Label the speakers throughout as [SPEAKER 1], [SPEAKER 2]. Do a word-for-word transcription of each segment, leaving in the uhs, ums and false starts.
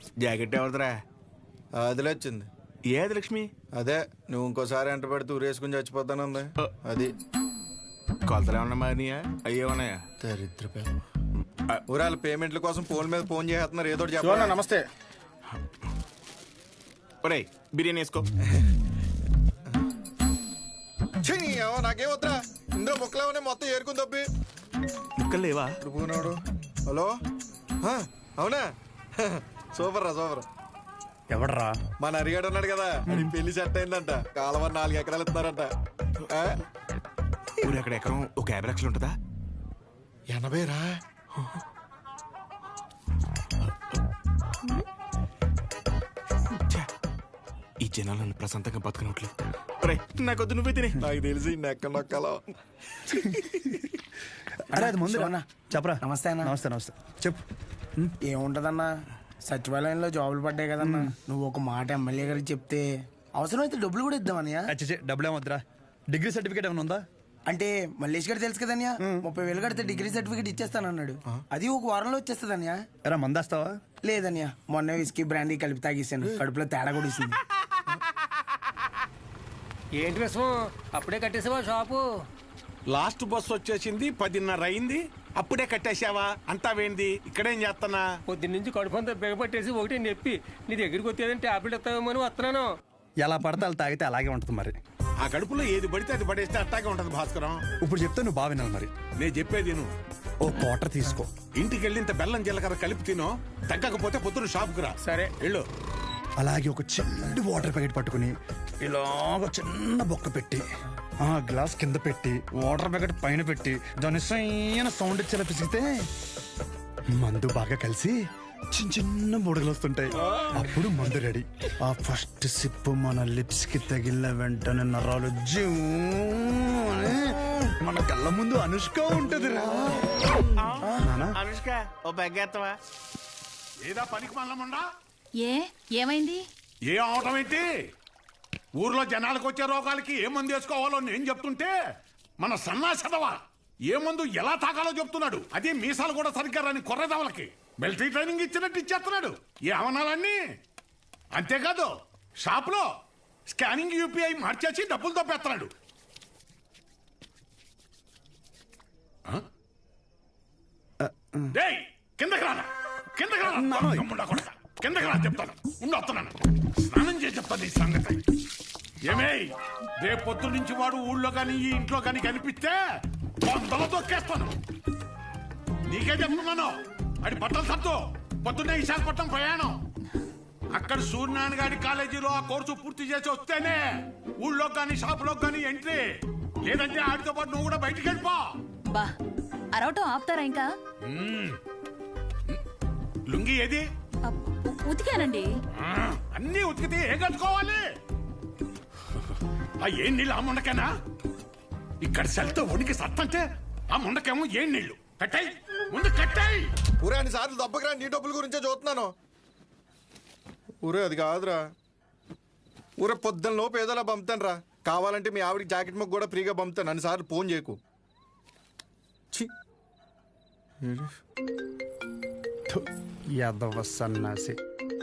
[SPEAKER 1] Jacket ఎవరిదిరా?
[SPEAKER 2] అదిలే వచ్చింది.
[SPEAKER 1] ఏది లక్ష్మి?
[SPEAKER 2] అదే నువ్వు ఇంకోసారి ఎంట పెడితే ఊరేసుకుని చచ్చిపోతానుంది. అది
[SPEAKER 1] కొలతలు ఏమన్నా మారినాయా? అయ్యే ఉన్నాయా?
[SPEAKER 2] దరిద్ర ఊరాల పేమెంట్ల కోసం ఫోన్ మీద ఫోన్ చేస్తున్నారు. ఏదో చెప్పాలి.
[SPEAKER 3] నమస్తే.
[SPEAKER 1] ఒరేయ్ బిర్యానీ వేసుకో.
[SPEAKER 2] నాకేం వద్దా, ఇందులో ముక్కలేమనే మొత్తం ఏరుకుని తప్పి.
[SPEAKER 1] ముక్కలు లేవా?
[SPEAKER 2] పోనాడు. హలో, అవునా? సూపర్ రా సూపర్.
[SPEAKER 3] ఎవడరా?
[SPEAKER 2] మన అరిగాడు ఉన్నాడు కదా, అది పెళ్లి సెట్ అయిందంట. కాలువ నాలుగు ఎకరాలు ఇస్తున్నారంట.
[SPEAKER 1] ఊరు ఎక్కడ ఎకరం ఒక యాభై లక్షలు ఉంటుందా?
[SPEAKER 2] ఎనభై రా.
[SPEAKER 1] ఈ జనాలు నన్ను ప్రశాంతంగా బతకనట్లు. నాకొద్దు, నువ్వే తినే.
[SPEAKER 2] నాకు తెలిసి నెక్క నొక్కలో.
[SPEAKER 3] అరే అది ముందు చెప్పరా.
[SPEAKER 4] నమస్తే అన్న.
[SPEAKER 3] నమస్తే నమస్తే చెప్పు.
[SPEAKER 4] ఏముంటదన్నా, సచివాలయంలో జాబులు పడ్డాయి కదన్నా. నువ్వు ఒక మాట ఎమ్మెల్యే గారికి చెప్తే అవసరమైతే డబ్బులు కూడా ఇద్దామన్నయ్య.
[SPEAKER 3] అచ్చే డబ్బులు ఏమొద్దురా. డిగ్రీ సర్టిఫికేట్ ఏమైనా ఉందా?
[SPEAKER 4] అంటే మల్లేష్ గారు తెలుసు కదన్యా, ముప్పై వేలు కడితే డిగ్రీ సర్టిఫికేట్ ఇచ్చేస్తానన్నాడు. అది ఒక వారంలో వచ్చేస్తుందన్యా.
[SPEAKER 3] ఎరా మందేస్తావా?
[SPEAKER 4] లేదన్యా, మొన్న విస్కీ బ్రాండీ కలిపి తాగేసాను. కడుపులో తేడా కూడా ఇస్తుంది.
[SPEAKER 5] ఏంటి విషయం? అప్పుడే కట్టేసావా షాపు?
[SPEAKER 6] లాస్ట్ బస్ వచ్చేసింది, పదిన్నర అయింది, అప్పుడే కట్టేసావా? అంతా వేంది, ఇక్కడేం చేస్తానా?
[SPEAKER 5] పొద్దున్న నుంచి కడుపంతా బిగపట్టేసి ఒకటి నొప్పి. నీ దగ్గరికి వచ్చేదని టాబ్లెట్ ఇస్తావేమో అని వస్తున్నాను.
[SPEAKER 3] ఎలా పడితే అలా తాగితే అలాగే ఉంటుంది మరి.
[SPEAKER 6] ఆ కడుపులో ఏది పడితే అది పడేస్తే అట్టాగే ఉంటది భాస్కరం.
[SPEAKER 3] ఇప్పుడు చెప్తే నువ్వు బాగా వినాలి మరి.
[SPEAKER 6] నేను చెప్పేది నువ్వు
[SPEAKER 3] ఓ క్వార్టర్ తీసుకో.
[SPEAKER 6] ఇంటికి వెళ్ళి ఇంత బెల్లం జీలకర్ర కలిపి తినో, తగ్గకపోతే పొద్దున్న షాప్కి రా.
[SPEAKER 5] సరే
[SPEAKER 6] వెళ్ళు.
[SPEAKER 3] అలాగే ఒక చిన్న వాటర్ ప్యాకెట్ పట్టుకుని ఇలాగ చిన్న బొక్క పెట్టి ఆ గ్లాస్ కింద పెట్టి వాటర్ ప్యాకెట్ పైన పెట్టి దాని సైన సౌండ్ ఇచ్చేలా పిసిగితే మందు బాగా కలిసి చిన్న చిన్న బుడగలు వస్తుంటాయి. అప్పుడు మందు రెడీ. ఆ ఫస్ట్ సిప్ మన లిప్స్ కి తగిలిన వెంటనే నరాలు జూ అని మన కళ్ళ ముందు అనుష్క ఉంటది రా.
[SPEAKER 1] అనుష్క ఓ బెగ్గేత్తవా?
[SPEAKER 6] ఏదా పనికి మల్లముండా?
[SPEAKER 7] ఏ ఏమైంది?
[SPEAKER 6] ఏ అవటం ఏంటి? ఊర్లో జనాలకు వచ్చే రోగాలకి ఏ మందు వేసుకోవాలో నేను చెప్తుంటే మన సన్నాసదవా ఏ మందు ఎలా తాగాలో చెప్తున్నాడు. అదే మీసాలు కూడా సరిగ్గా రాని కొర్రదవలకి మిలిటరీ ట్రైనింగ్ ఇచ్చినట్టు ఇచ్చేస్తున్నాడు. ఏ అవనాలన్నీ అంతేకాదు, షాప్ లో స్కానింగ్ యూపీఐ మార్చేసి డబ్బులు తప్పేస్తున్నాడు. కిందకి రానా, కిందకి రానా, కిందకి రా చెప్తాను. ఉండి వస్తున్నాను, స్నానం చేసి చెప్తాను ఈ సంగతి. ఏమే రేపు పొద్దు నుంచి వాడు ఊళ్ళో కానీ ఈ ఇంట్లో కానీ కనిపిస్తే వందలో తొక్కేస్తాను. నీకే చెప్తున్నాను, అది బట్టలు సత్తు. పొద్దున్నే విశాఖపట్నం ప్రయాణం. అక్కడ సూర్యనారాయణ గారి కాలేజీలో ఆ కోర్సు పూర్తి చేసి వస్తేనే ఊళ్ళో కానీ షాపులో కానీ ఎంట్రీ. లేదంటే ఆడితో పాటు నువ్వు కూడా బయటికి వెళ్ళిపో.
[SPEAKER 7] బా అరవటం ఆపుతారా ఇంకా?
[SPEAKER 6] లుంగి ఏది?
[SPEAKER 7] ఉతికానండి.
[SPEAKER 6] అన్నీ ఉతికితే ఏం కట్టుకోవాలి? ఆ ఏం నీళ్ళు ఆ ముండకేనా? ఇక్కడ సెల్తో ఉనికి సత్తంటే ఆ ముండకేమో ఏం నీళ్లు. కట్టాయి ముందు కట్టాయి.
[SPEAKER 2] ఊరే అన్ని సార్లు దెబ్బకి రా, నీ డబ్బుల గురించే చూస్తున్నాను. ఊరే అది కాదురా. ఊరే పొద్దున్న లోపు ఏదోలా పంపుతాను రా. కావాలంటే మీ ఆవిడికి జాకెట్ ముక్క కూడా ఫ్రీగా పంపుతాను. అన్ని సార్లు ఫోన్ చేయకు.
[SPEAKER 3] యాదవ సన్నాసి.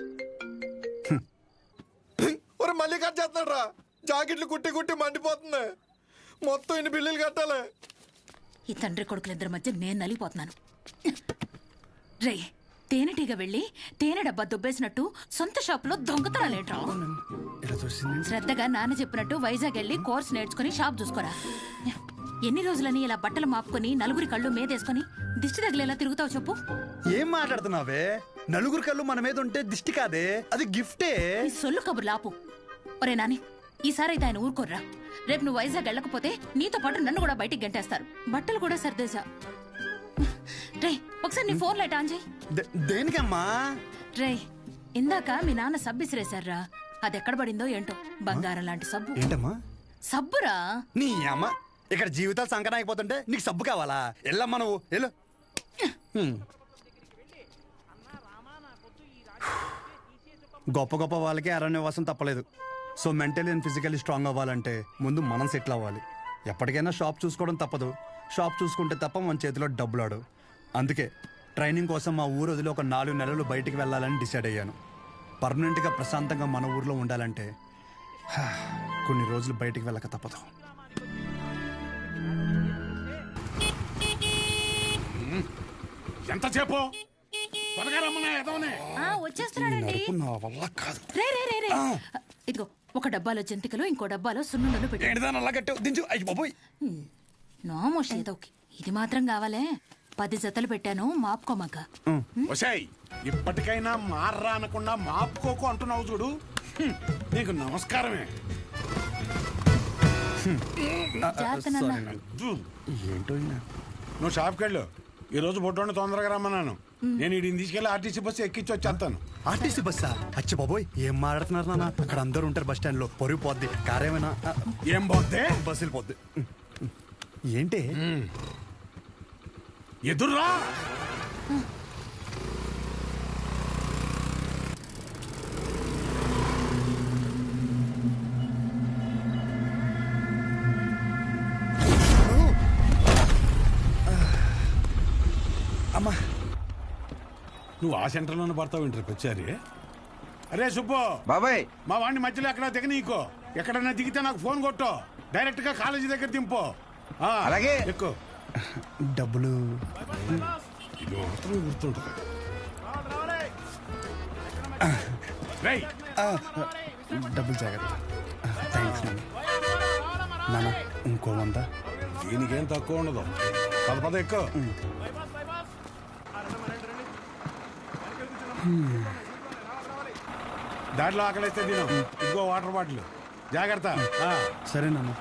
[SPEAKER 2] ఒరే మళ్ళీ కట్ చేస్తాడు రా. జాకెట్లు కుట్టి కుట్టి మండిపోతుంది. మొత్తం ఇన్ని బిల్లులు కట్టాలి.
[SPEAKER 7] ఈ తండ్రి కొడుకులిద్దరి మధ్య నేను నలిగిపోతున్నాను. రే తేనెటీగ వెళ్ళి తేనె డబ్బా దుబ్బేసినట్టు సొంత షాప్ లో దొంగతనాలేంట్రా? శ్రద్ధగా నాన్న చెప్పినట్టు వైజాగ్ వెళ్ళి కోర్స్ నేర్చుకుని షాప్ చూసుకోరా. ఎన్ని రోజులని ఇలా బట్టలు మాపుకొని నలుగురి కళ్ళు మీదేసుకుని దిష్టి తగిలేలా తిరుగుతావు చెప్పు?
[SPEAKER 3] ఏం మాట్లాడుతున్నావే? నలుగురు కళ్ళు మన మీద ఉంటే దిష్టి కాదే, అది గిఫ్టే.
[SPEAKER 7] ఈ సొల్లు కబుర్లు ఆపు. ఒరే నాని, ఈసారి అయితే ఆయన ఊరుకోర్రా. రేపు నువ్వు వైజాగ్ వెళ్ళకపోతే నీతో పాటు నన్ను కూడా బయటికి గంటేస్తారు. బట్టలు కూడా సర్దేశా. రే ఒకసారి నీ ఫోన్ లైట్ ఆన్ చేయి.
[SPEAKER 3] దేనికమ్మా?
[SPEAKER 7] రే ఇందాక మీ నాన్న సబ్బు ఇసిరేశారా, అది ఎక్కడ పడిందో ఏంటో. బంగారం లాంటి సబ్బు.
[SPEAKER 3] ఏంటమ్మా?
[SPEAKER 7] సబ్బురా.
[SPEAKER 3] నీ అమ్మ, ఇక్కడ జీవితాలు సంకటం అయిపోతుంటే నీకు సబ్బు కావాలా? ఎల్లమ్మా నువ్వు ఎల్లు. గొప్ప గొప్ప వాళ్ళకి అరణ్యవాసం తప్పలేదు. So mentally and physically strong అవ్వాలంటే ముందు మనం సెటిల్ అవ్వాలి. ఎప్పటికైనా షాప్ చూసుకోవడం తప్పదు. షాప్ చూసుకుంటే తప్ప మన చేతిలో డబ్బులాడు. అందుకే ట్రైనింగ్ కోసం మా ఊరు వదిలి ఒక నాలుగు నెలలు బయటికి వెళ్ళాలని డిసైడ్ అయ్యాను. పర్మనెంట్గా ప్రశాంతంగా మన ఊర్లో ఉండాలంటే హా, కొన్ని రోజులు బయటికి వెళ్ళక తప్పదు.
[SPEAKER 6] ఎంతసేపు త్వరగా రమ్మన్నా ఎదవనే.
[SPEAKER 7] ఆ, వచ్చేస్తున్నాడండి.
[SPEAKER 3] నడుపు నా వల్ల కాదు.
[SPEAKER 7] రే రే రే రే ఇదిగో ఒక డబ్బాలో జంతికలు ఇంకో డబ్బాలో సున్నుండలు పెట్టి
[SPEAKER 3] ఏంటిదా అలా కట్టావు? దించు. అయ్యి బాబోయ్.
[SPEAKER 7] నోమోష్ ఏదోకి ఇది మాత్రం కావాలే. పది జతలు పెట్టాను మాపుకోమాక.
[SPEAKER 6] ఒసేయ్ ఇప్పటికైనా మార్రా అనకుండా మాపుకోకు అంటున్నావు చూడు. హ్మ్, నీకు నమస్కారమే.
[SPEAKER 7] జాగ్రత్త నాన్న.
[SPEAKER 6] అద్దు.
[SPEAKER 3] ఏంటో ఈయన.
[SPEAKER 6] నువ్వు షాప్కి వెళ్ళు. ఈ రోజు బొడ్డోని తొందరగా రమ్మన్నాను. నేను వీడిని తీసుకెళ్ళి ఆర్టీసీ బస్సు ఎక్కించి వచ్చేస్తాను.
[SPEAKER 3] ఆర్టీసీ బస్సా? అచ్చి బాబోయ్, ఏం మాట్లాడుతున్నారు నాన్న? అక్కడ అందరూ ఉంటారు బస్ స్టాండ్ లో. పొరుగు పోద్ది. కారేమైనా
[SPEAKER 6] ఏం పోతే
[SPEAKER 3] బస్సు వెళ్ళిపోద్ది. ఏంటి
[SPEAKER 6] ఎదుర్రా.
[SPEAKER 3] అమ్మా,
[SPEAKER 6] నువ్వు ఆ సెంటర్లోనే పడతావు ఇంటర్ వచ్చారి. అరే సుబ్బు
[SPEAKER 8] బాబాయ్,
[SPEAKER 6] మా వాడిని మధ్యలో ఎక్కడ దిగ నీకో. ఎక్కడన్నా దిగితే నాకు ఫోన్ కొట్టు. డైరెక్ట్ గా కాలేజీ దగ్గర దింపు. ఆ,
[SPEAKER 8] అలాగే.
[SPEAKER 6] ఎక్కువ
[SPEAKER 3] డబ్బులు
[SPEAKER 6] ఇది మాత్రం గుర్తుంటుంది. రేయ్,
[SPEAKER 3] ఆ, డబ్బులు జాగ్రత్త. థ్యాంక్స్ నాన్న. నాన్న ఇంకో వంద.
[SPEAKER 6] దీనికేం తక్కువ ఉండదు. పద పద ఎక్కువ. దాంట్లో ఆకలిస్తే తిను. ఇంకో వాటర్ బాటిల్ జాగ్రత్త. ఆ.
[SPEAKER 3] సరే నాన్న.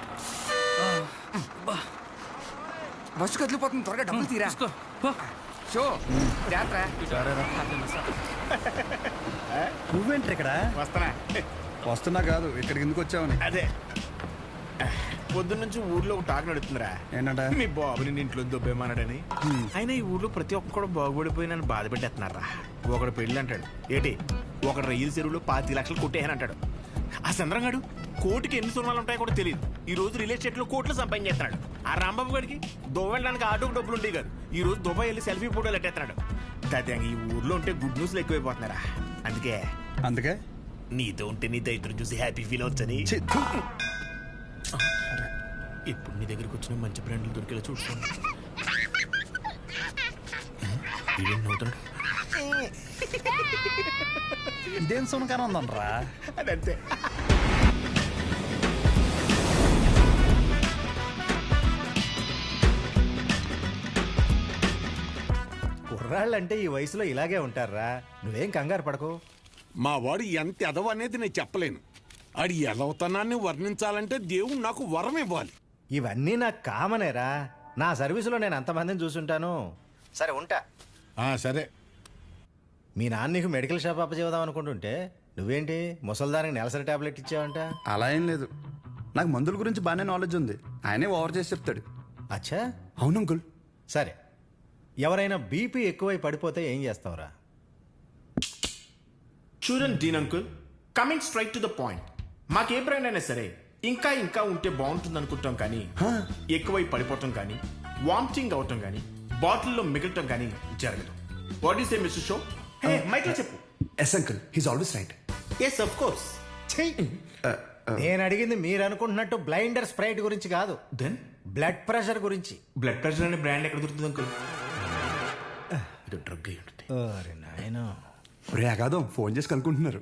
[SPEAKER 8] బస్సు కదిలిపోతుంది, త్వరగా డబ్బులు తీరా. షో జాగ్రత్త.
[SPEAKER 3] నువ్వేంటి ఇక్కడ?
[SPEAKER 1] వస్తానా?
[SPEAKER 3] వస్తున్నా కాదు, ఇక్కడికి ఎందుకు వచ్చావని.
[SPEAKER 1] అదే పొద్దున్న నుంచి ఊర్లో ఒక టాక్ నడుతుందిరా.
[SPEAKER 3] ఏంటంట?
[SPEAKER 1] మీ బాబుని నీ ఇంట్లో దొబ్బేమన్నాడని. అయినా ఈ ఊర్లో ప్రతి ఒక్కడు బాగుపడిపోయి నన్ను బాధ పెట్టేస్తున్నారా. ఒకడు పెళ్ళి అంటాడు, ఏటి ఒకడు రైలు చెరువులో పాతి లక్షలు కొట్టేయని అంటాడు. ఆ చంద్రంగాడు కోటికి ఎన్ని సున్నాలు ఉంటాయో కూడా తెలియదు. ఈ రోజు రియల్ ఎస్టేట్ లో కోట్లు సంపాదించేస్తున్నాడు. ఆ రాంబాబు గారికి దుబాయ్ వెళ్ళడానికి ఆటోకి డబ్బులు ఉండేవి కాదు. ఈ రోజు దుబాయ్ వెళ్ళి సెల్ఫీ ఫోటోలు ఎట్టేస్తున్నాడు. దాదాపు ఈ ఊర్లో ఉంటే గుడ్ న్యూస్లు ఎక్కువైపోతున్నారా. అందుకే
[SPEAKER 3] అందుకే
[SPEAKER 1] నీతో ఉంటే నీ దైత్రం చూసి హ్యాపీ ఫీల్ అవచ్చని
[SPEAKER 3] ఛీ, థు.
[SPEAKER 1] ఇప్పుడు నీ దగ్గరికి వచ్చిన మంచి బ్రాండ్లు దొరికేలా చూసుకోండి. ఇదేం నవ్వుతున్నాడు?
[SPEAKER 3] ఇదేం సునకాన ఉందనరా?
[SPEAKER 1] అదంతే.
[SPEAKER 9] కుర్రాళ్ళంటే ఈ వయసులో ఇలాగే ఉంటారా. నువ్వేం కంగారు పడకు.
[SPEAKER 6] మా వాడు ఎంత ఎదవ అనేది నేను చెప్పలేను. ఆడి ఎదవతనాన్ని వర్ణించాలంటే దేవుడు నాకు వరం ఇవ్వాలి.
[SPEAKER 9] ఇవన్నీ నాకు కామనేరా. నా సర్వీసులో నేను అంతమందిని చూసుంటాను. సరే ఉంటా.
[SPEAKER 6] ఆ సరే.
[SPEAKER 9] మీ నాన్న నీకు మెడికల్ షాప్ అప్పచేద్దాం అనుకుంటుంటే నువ్వేంటి ముసల్దానికి నెలసరి టాబ్లెట్ ఇచ్చావంట?
[SPEAKER 3] అలా ఏం లేదు, నాకు మందుల గురించి బాగానే నాలెడ్జ్ ఉంది. ఆయనే ఓవర్ చేసి చెప్తాడు.
[SPEAKER 9] అచ్చా,
[SPEAKER 3] అవును అంకుల్.
[SPEAKER 9] సరే. ఎవరైనా బీపీ ఎక్కువై పడిపోతే ఏం చేస్తావురా?
[SPEAKER 1] చూడండి Dean uncle, coming straight to the point. మాకే బ్రాండ్ అయినా సరే ఇంకా ఇంకా ఉంటే బాగుంటుంది అనుకుంటాం, కానీ ఎక్కువై పడిపోవటం కానీ వామిటింగ్ అవటం కానీ బాటిల్లో మిగలటం కానీ జరగదు. What is a mister show? Hey Michael చెప్పు.
[SPEAKER 3] Yes uncle, he's always right.
[SPEAKER 1] Yes of course.
[SPEAKER 9] నేను అడిగింది మీరు అనుకుంటున్నట్టు బ్లైండర్ స్ప్రైట్ గురించి కాదు,
[SPEAKER 1] దెన్
[SPEAKER 9] బ్లడ్ ప్రెషర్ గురించి.
[SPEAKER 1] బ్లడ్ ప్రెషర్ అనే బ్రాండ్ ఎక్కడ దొరుకుతుంది అంకుల్? ఇది డ్రగ్ అయి ఉంటుంది.
[SPEAKER 9] అరే నాయనా,
[SPEAKER 3] ఒరే అగాదం, ఫోన్ చేసి కనుక్కుంటున్నారు.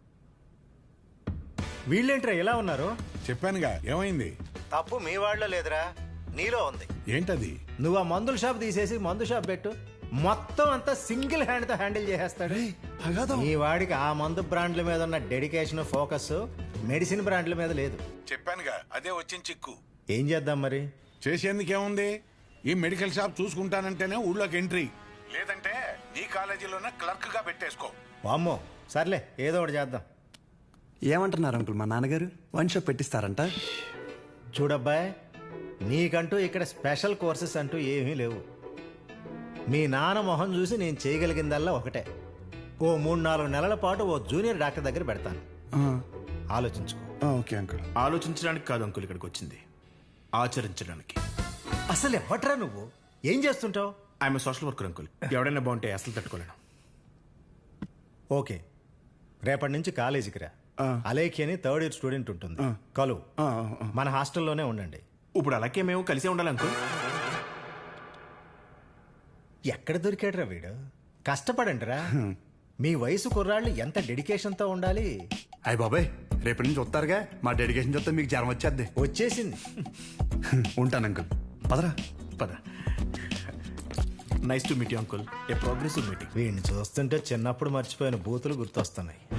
[SPEAKER 9] వీళ్ళేంట్రా ఎలా ఉన్నారు?
[SPEAKER 6] చెప్పానుగా ఏమైంది.
[SPEAKER 9] తప్పు మీ వాళ్ళలో లేదురా, నీలో ఉంది.
[SPEAKER 6] ఏంటది?
[SPEAKER 9] నువ్వు ఆ మందుల షాప్ తీసేసి మందు షాప్ పెట్టు, మొత్తం అంతా సింగిల్ హ్యాండ్ తో హ్యాండిల్ చేసేస్తాడు. ఈ వాడికి ఆ మందు బ్రాండ్ల మీద ఉన్న డెడికేషన్, ఫోకస్ మెడిసిన్ బ్రాండ్ల మీద లేదు.
[SPEAKER 6] చెప్పానుగా అదే వచ్చిన చిక్కు.
[SPEAKER 9] ఏం చేద్దాం మరి?
[SPEAKER 6] చేసేందుకేముంది, ఈ మెడికల్ షాప్ చూసుకుంటానంటేనే ఊళ్ళోకి ఎంట్రీ, లేదంటే నీ కాలేజీలోనే క్లర్క్ గా పెట్టేసుకో.
[SPEAKER 9] వామ్మో, సర్లే ఏదో ఒకటి చేద్దాం.
[SPEAKER 3] ఏమంటున్నారు అంకుల్? మా నాన్నగారు వన్ షాప్ పెట్టిస్తారంట.
[SPEAKER 9] చూడబ్బాయ్, నీకంటూ ఇక్కడ స్పెషల్ కోర్సెస్ అంటూ ఏమీ లేవు. మీ నాన్న మొహం చూసి నేను చేయగలిగిందల్లా ఒకటే, ఓ మూడు నాలుగు నెలల పాటు ఓ జూనియర్ డాక్టర్ దగ్గర పెడతాను. ఆలోచించుకో.
[SPEAKER 3] Okay uncle.
[SPEAKER 1] ఆలోచించడానికి కాదు అంకుల్ ఇక్కడికి వచ్చింది, ఆచరించడానికి.
[SPEAKER 9] అసలు ఎవట్రా నువ్వు? ఏం చేస్తుంటావు?
[SPEAKER 1] I'm social worker uncle. ఎవడైనా బాగుంటే అసలు తట్టుకోలేను.
[SPEAKER 9] ఓకే, రేపటి నుంచి కాలేజీకి రా.
[SPEAKER 3] ఆ.
[SPEAKER 9] అలేఖి అని థర్డ్ ఇయర్ స్టూడెంట్ ఉంటుంది, కలు.
[SPEAKER 3] ఆ, ఆ, ఆ.
[SPEAKER 9] మన హాస్టల్లోనే ఉండండి.
[SPEAKER 1] ఇప్పుడు అలాగే మేము కలిసే ఉండాలి అంకుల్.
[SPEAKER 9] ఎక్కడ దొరికాడురా వీడు? కష్టపడండి రా. మీ వయసు కుర్రాళ్ళు ఎంత డెడికేషన్తో ఉండాలి.
[SPEAKER 3] అయ్య బాబాయ్, రేపటి నుంచి వస్తారుగా, మా డెడికేషన్ చూస్తే మీకు జ్వరం వచ్చేద్ది.
[SPEAKER 9] వచ్చేసింది.
[SPEAKER 3] ఉంటాను అంకుల్, పదరా.
[SPEAKER 1] పద. Nice to meet you uncle. A progressive meeting.
[SPEAKER 9] వీడిని చూస్తుంటే చిన్నప్పుడు మర్చిపోయిన బూతులు గుర్తొస్తున్నాయి.